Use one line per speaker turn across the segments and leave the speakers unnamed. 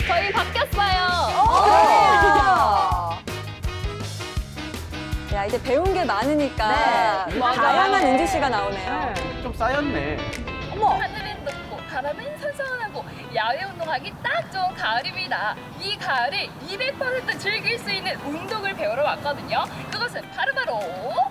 저희 바뀌었어요.
야, 이제 배운 게 많으니까
네.
다양한
맞아요.
은주 씨가 나오네요.
좀 쌓였네.
하늘은 높고 바람은 선선하고 야외 운동하기 딱 좋은 가을입니다. 이 가을을 200% 즐길 수 있는 운동을 배우러 왔거든요. 그것은 바로바로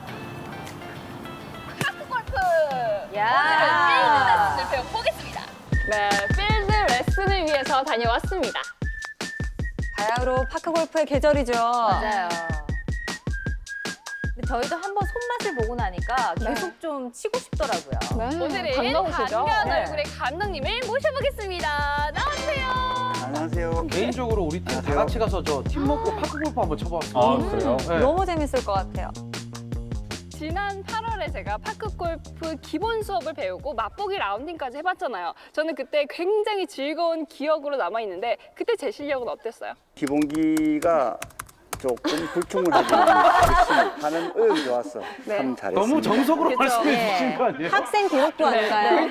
파크골프! 오늘은 필드 레슨을 배워보겠습니다. 네, 필드 레슨을 위해서 다녀왔습니다.
바야흐로 파크 골프의 계절이죠.
맞아요. 근데 저희도 한번 손맛을 보고 나니까 계속 좀 치고 싶더라고요.
오늘은
반가우시죠?
반가운
네.
얼굴의 감독님을 모셔보겠습니다. 나와주세요.
안녕하세요.
개인적으로 우리 팀 다
안녕하세요.
같이 가서 저 팀워크 파크골프 한번 쳐봤어요.
아, 그래요?
네.
너무 재밌을 것 같아요.
지난 8월에 제가 파크골프 기본 수업을 배우고 맛보기 라운딩까지 해봤잖아요. 저는 그때 굉장히 즐거운 기억으로 남아있는데 그때 제 실력은 어땠어요?
기본기가 조금 불충분하지만 열심히 하는 의욕이 좋았어.
네.
참 잘했습니다.
너무 정석으로
그쵸.
말씀해
네.
주신 거 아니에요?
학생 기록부 아닌가요?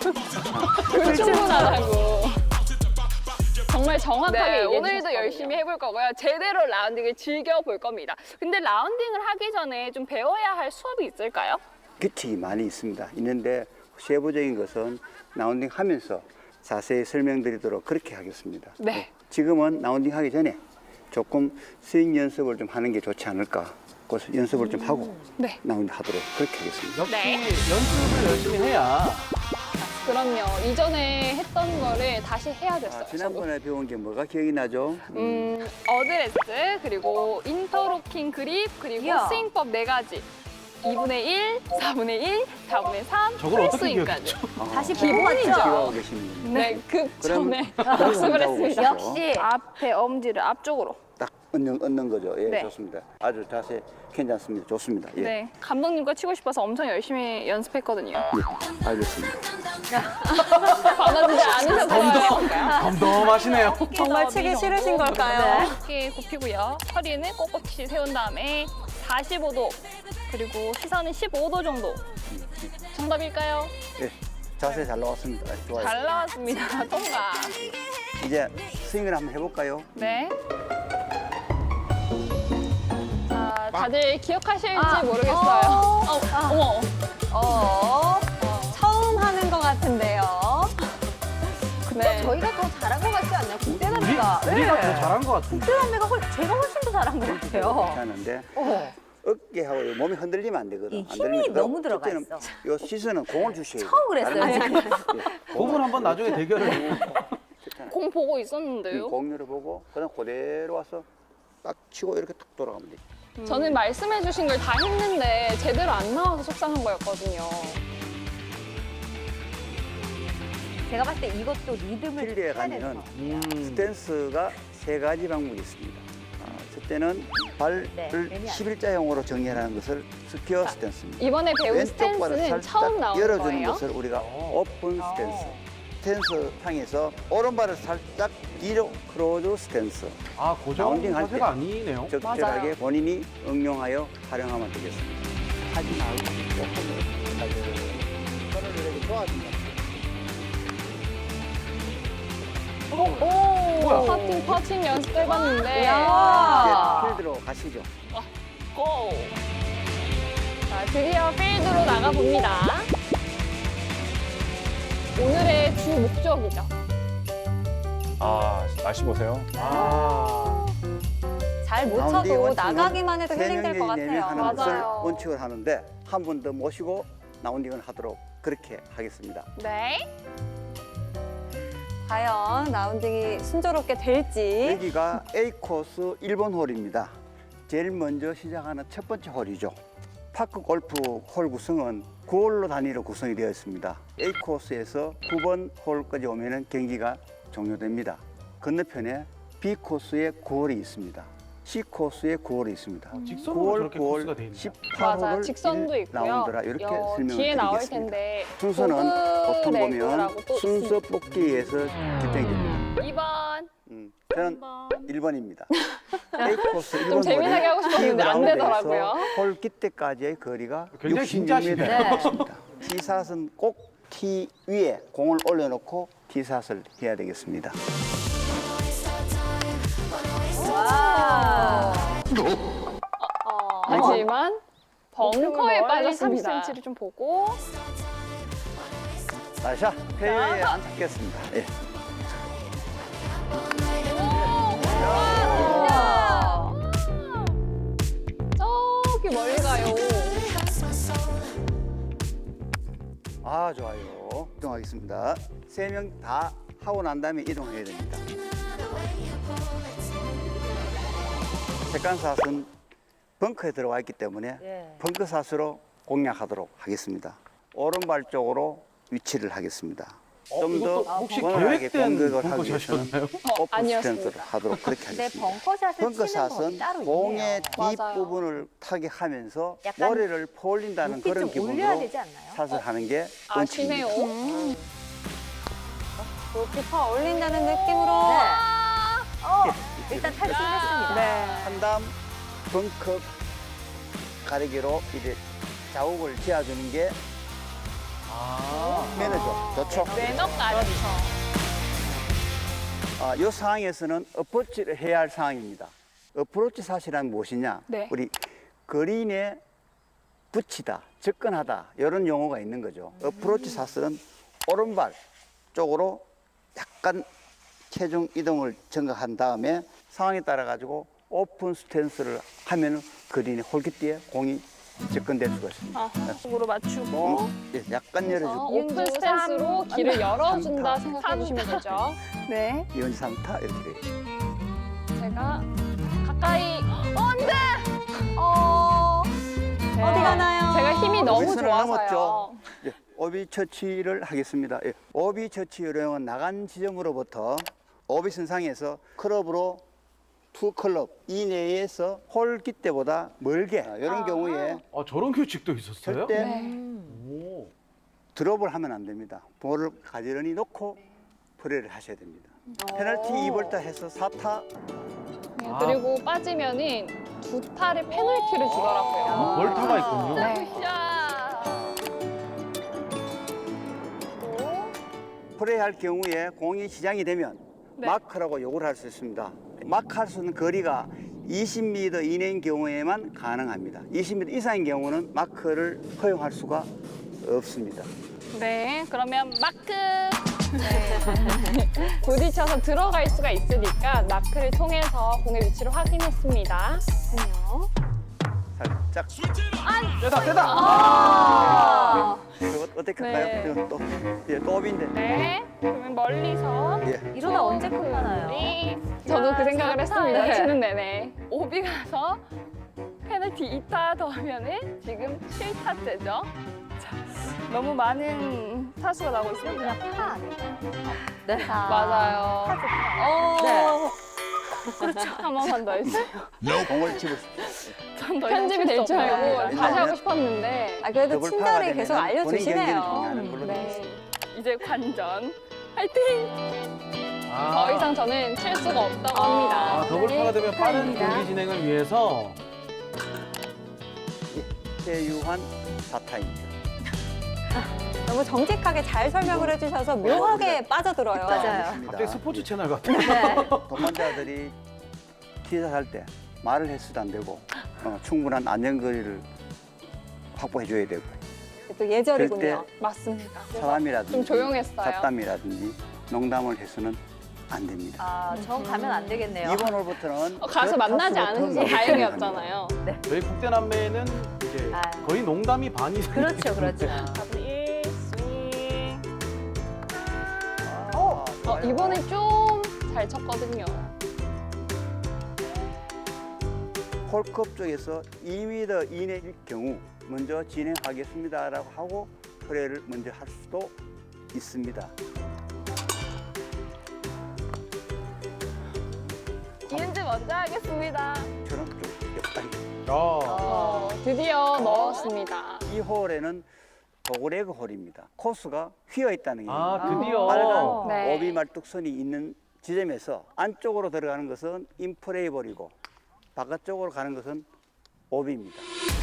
불충분하다고. 정말 정확하게
네,
얘기해
오늘도
주셨거든요. 열심히 해볼 거고요. 제대로 라운딩을 즐겨볼 겁니다. 근데 라운딩을 하기 전에 좀 배워야 할 수업이 있을까요?
규칙이 많이 있습니다. 있는데 세부적인 것은 라운딩 하면서 자세히 설명드리도록 그렇게 하겠습니다.
네.
지금은 라운딩 하기 전에 조금 스윙 연습을 좀 하는 게 좋지 않을까. 그래서 연습을 좀 하고
네.
라운딩 하도록 그렇게 하겠습니다.
역시
네.
연습을 열심히 해야
그럼요. 이전에 했던 거를 다시 해야 됐어요.
지난번에 배운 게 뭐가 기억이 나죠?
어드레스, 그리고 인터로킹 그립, 그리고
이야.
스윙법 4가지. 2분의 1, 4분의 1, 4분의 3,
저걸 어떻게
풀스윙까지.
기억했죠?
다시
기본이죠.
배워봤죠?
기억하고 계시는
네, 급
그럼
전에
그리고
학습을
한다고
했습니다.
보시죠.
역시
앞에 엄지를 앞쪽으로.
딱 얻는 거죠. 예,
네.
좋습니다. 아주 자세 괜찮습니다. 좋습니다. 예,
네, 감독님과 치고 싶어서 엄청 열심히 연습했거든요.
예, 알겠습니다.
받아주지 않으셨어요.
덤덤하시네요.
정말 치기 싫으신 걸까요?
어깨 굽히고요. 허리는 꼿꼿이 세운 다음에 45도, 그리고 시선은 15도 정도. 정답일까요?
예, 자세 잘 나왔습니다. 좋아요.
잘 나왔습니다. 통과.
이제 스윙을 한번 해볼까요?
네. 자, 다들 기억하실지
아,
모르겠어요. 어머.
처음 하는 것 같은데요.
근데 저희가 더 잘한 것 같지 않나요?
우리,
국대남매가.
우리가 더 잘한 것 같은데.
국대남매가 제가 훨씬 더 잘한 것 같아요.
괜찮은데
어.
어깨하고 몸이 흔들리면 안 되거든.
이
안
힘이
들리면
너무 들어가
그때는
있어.
요 시선은 공을 주셔야 돼요.
처음 그랬어요,
다른 건
지금.
예,
그분 한번 나중에 대결을.
괜찮아요.
공 보고 있었는데요.
공률을 보고 그다음 그대로 와서 딱 치고 이렇게 툭 돌아가면 돼.
저는 말씀해주신 걸 다 했는데 제대로 안 나와서 속상한 거였거든요.
제가 봤을 때 이것도 리듬을
필드에
해야
가면은
되는 거.
스탠스가 3가지 방법이 있습니다. 첫째는 발을
네, 매미 안
11자형으로 정렬하는 것을 스퀘어 스탠스입니다.
이번에 배운
왼쪽 발을
스탠스는 처음
살짝
나오는
열어주는
거예요?
것을 우리가 오픈 스탠스. 스탠스 상에서 오른발을 살짝 뒤로 크로즈 스탠스.
아, 고정
라운딩 할
자세가
때.
아니네요.
적절하게 본인이 응용하여 활용하면 되겠습니다. 하지 말고 조금 손을 이렇게 도와준다.
오, 퍼팅 연습해봤는데.
야.
이제 필드로 가시죠.
고! 자, 드디어 필드로 나가봅니다. 오늘의 주 목적이죠.
아, 날씨 보세요.
아,
잘 못
라운딩
쳐도
원칙은
나가기만 해도
세
힐링될 것
명이
같아요.
하는 것을
맞아요.
원칙을 하는데 한 분 더 모시고 라운딩을 하도록 그렇게 하겠습니다.
네.
과연 라운딩이 순조롭게 될지.
여기가 A 코스 1번 홀입니다. 제일 먼저 시작하는 첫 번째 홀이죠. 파크 골프 홀 구성은 9홀로 단위로 구성이 되어 있습니다. A 코스에서 9번 홀까지 오면 경기가 종료됩니다. 건너편에 B 코스에 9홀이 있습니다. C 코스에 9홀이 있습니다.
직선으로 저렇게 코스가 돼 있네요.
맞아,
18홀을
직선도 있고요.
라운드라 이렇게 설명을
뒤에 나올
드리겠습니다.
텐데.
순서는 보통 보면
레그라고 또
순서
있습니다.
뽑기에서 결정이 됩니다.
2번.
저는 1번입니다. A 코스 1번
좀 재미나게 하고 싶었는데 안 되더라고요.
홀 기대까지의 거리가
굉장히
66m
진지하시네요.
있습니다. 티샷은 꼭 티 위에 공을 올려놓고 티샷을 해야 되겠습니다.
하지만 벙커에 빠졌습니다.
30cm를 좀 보고.
나이샷 페어웨이에 안착했습니다. 예.
저기 멀리 가요.
아, 좋아요. 이동하겠습니다. 3명 다 하고 난 다음에 이동해야 됩니다. 세컨샷은 벙커에 들어와 있기 때문에
예.
벙커샷으로 공략하도록 하겠습니다. 오른발 쪽으로 위치를 하겠습니다. 좀
이것도
더
혹시
원활하게
계획된
공격을 하기 위해서는
벙커샷이었나요?
오픈
아니었습니다.
스탠스를 하도록 그렇게
근데
하겠습니다.
벙커샷을 치는 법이
벙커샷은
따로
공의
있네요.
뒷부분을 타격하면서
약간
머리를 폴린다는
높이
그런
좀 올려야
기분으로
되지 않나요?
샷을 하는 게
아시네요.
원칙입니다.
높이 퍼 올린다는 느낌으로.
일단 탈출했습니다.
네.
한 다음 벙커 가리기로 이제 자욱을 지어주는 게 매너죠. 좋죠.
매너까지.
이 상황에서는 어프로치를 해야 할 상황입니다. 어프로치 샷이란 무엇이냐?
네.
우리 그린에 붙이다, 접근하다 이런 용어가 있는 거죠. 어프로치 샷은 오른발 쪽으로 약간 체중 이동을 증가한 다음에 상황에 따라 가지고 오픈 스탠스를 하면 그린의 홀깃뒤에 공이 접근될 수가 있습니다.
으로 맞추고
예, 약간 열어주고
오픈 스탠스로 길을 열어준다
삼타.
생각해 주시면 되죠. 네.
이원 3타 이렇게 돼요.
제가 가까이. 안돼.
어디 가나요?
제가 힘이 너무
윗선을
좋아서요.
넘었죠. 예, 오비 처치를 하겠습니다. 예, 오비 처치 요령은 나간 지점으로부터 오비 선상에서 클럽으로 투 클럽 이내에서 홀기 때보다 멀게 이런 경우에
아, 저런 규칙도 있었어요?
절대
오.
드롭을 하면 안 됩니다. 볼을 가지런히 놓고 플레이를 하셔야 됩니다. 페널티 2볼타 해서 4타
네, 그리고 빠지면은 두 탈의 페널티를 주더라고요.
아, 벌타가 있군요.
네.
플레이할 경우에 공이 시장이 되면
네.
마크라고 요구를 할 수 있습니다. 마크할 수 있는 거리가 20m 이내인 경우에만 가능합니다. 20m 이상인 경우는 마크를 허용할 수가 없습니다.
네, 그러면 마크. 부딪혀서 들어갈 수가 있으니까 마크를 통해서 공의 위치를 확인했습니다.
살짝
세다!
이거 어떻게
네.
할까요? 이거 또 예, 또 오비인데.
네, 그러면 멀리서.
예.
이러다 언제 끝나나요?
저도 그 생각을 했습니다.
네.
치는 내내. 오비 가서 페널티 2타 더 하면은 지금 7타째죠. 자, 너무 많은 타수가 나오고 있습니다.
그냥 파 아닐까요? 네.
맞아요.
네.
그렇죠. 한 번만 더 해주세요.
공을 집을 수 있어요.
전더 편집이 될 줄 알고
네.
다시 하고 싶었는데.
아, 그래도
더블
친절히
파가
계속
되면은 본인 경기를
알려주시네요.
종료하는 걸로 되어
네.
있습니다.
이제 관전. 화이팅!
아,
더 이상 저는 칠 수가 없다고 합니다.
아, 더블파가 되면 빠른 경기 진행을 위해서
최유환 4타입니다.
너무 정직하게 잘 설명을 해주셔서 묘하게 빠져들어요.
맞아요.
갑자기 스포츠 채널 같아요.
동반자들이 티샷할 때 말을 해서도 안 되고 충분한 안전거리를 확보해줘야 되고
또 예절이군요.
맞습니다.
사람이라든지
좀 조용했어요.
잡담이라든지 농담을 해서는 안 됩니다.
아, 전 가면 안 되겠네요.
이번 홀부터는
가서 만나지 않으셔서 다행이었잖아요.
저희 국대남매는 이제
아.
거의 농담이 반 이상.
그렇죠, 그렇죠.
일 스윙.
어,
이번에 좀 잘 쳤거든요.
홀컵 쪽에서 2m 이내일 경우 먼저 진행하겠습니다라고 하고 플레이를 먼저 할 수도 있습니다.
이은지 먼저 하겠습니다.
저는 좀 역당이.
드디어 넣었습니다.
이 홀에는 도그레그 홀입니다. 코스가 휘어 있다는 게
아, 드디어.
빨간
네.
오비 말뚝선이 있는 지점에서 안쪽으로 들어가는 것은 인프레이볼이고 바깥쪽으로 가는 것은 오비입니다.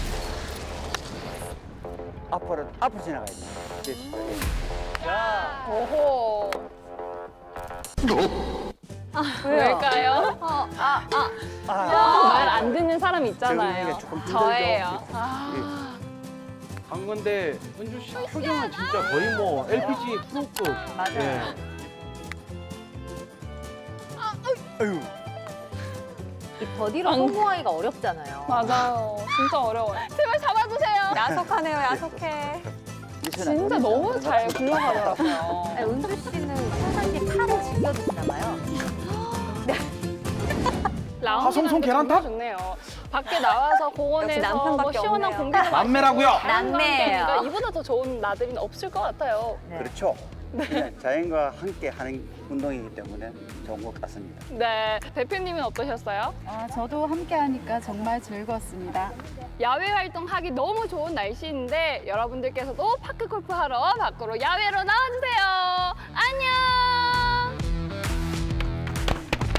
앞으로 지나가야 됩니다. 자,
오호. 왜일까요? 말 안 듣는 사람 있잖아요.
적응하기가 조금 힘들죠.
저예요.
강건데 은주 씨 표정은 진짜 거의 뭐 LPG 프로급.
맞아요.
예.
아유,
이 버디로 성공하기가 어렵잖아요.
맞아요. 진짜 어려워요. 제발 잡아주세요.
야속하네요, 야속해.
진짜 너무 잘 굴러가더라고요.
네, 은주 씨는 평상시에 파를 즐겨 드시나 봐요.
화성송 계란탑?
좋네요. 밖에 나와서
역시
공원에서 뭐
남편밖에
시원한
없네요.
공기도
남매라고요?
마시고
남매예요.
그러니까 이보다 더 좋은 나들이는 없을 것 같아요.
네.
그렇죠. 네, 자연과 함께 하는 운동이기 때문에 좋은 것 같습니다.
네, 대표님은 어떠셨어요?
저도 함께 하니까 정말 즐거웠습니다.
야외 활동하기 너무 좋은 날씨인데 여러분들께서도 파크 골프 하러 밖으로 야외로 나와주세요. 안녕!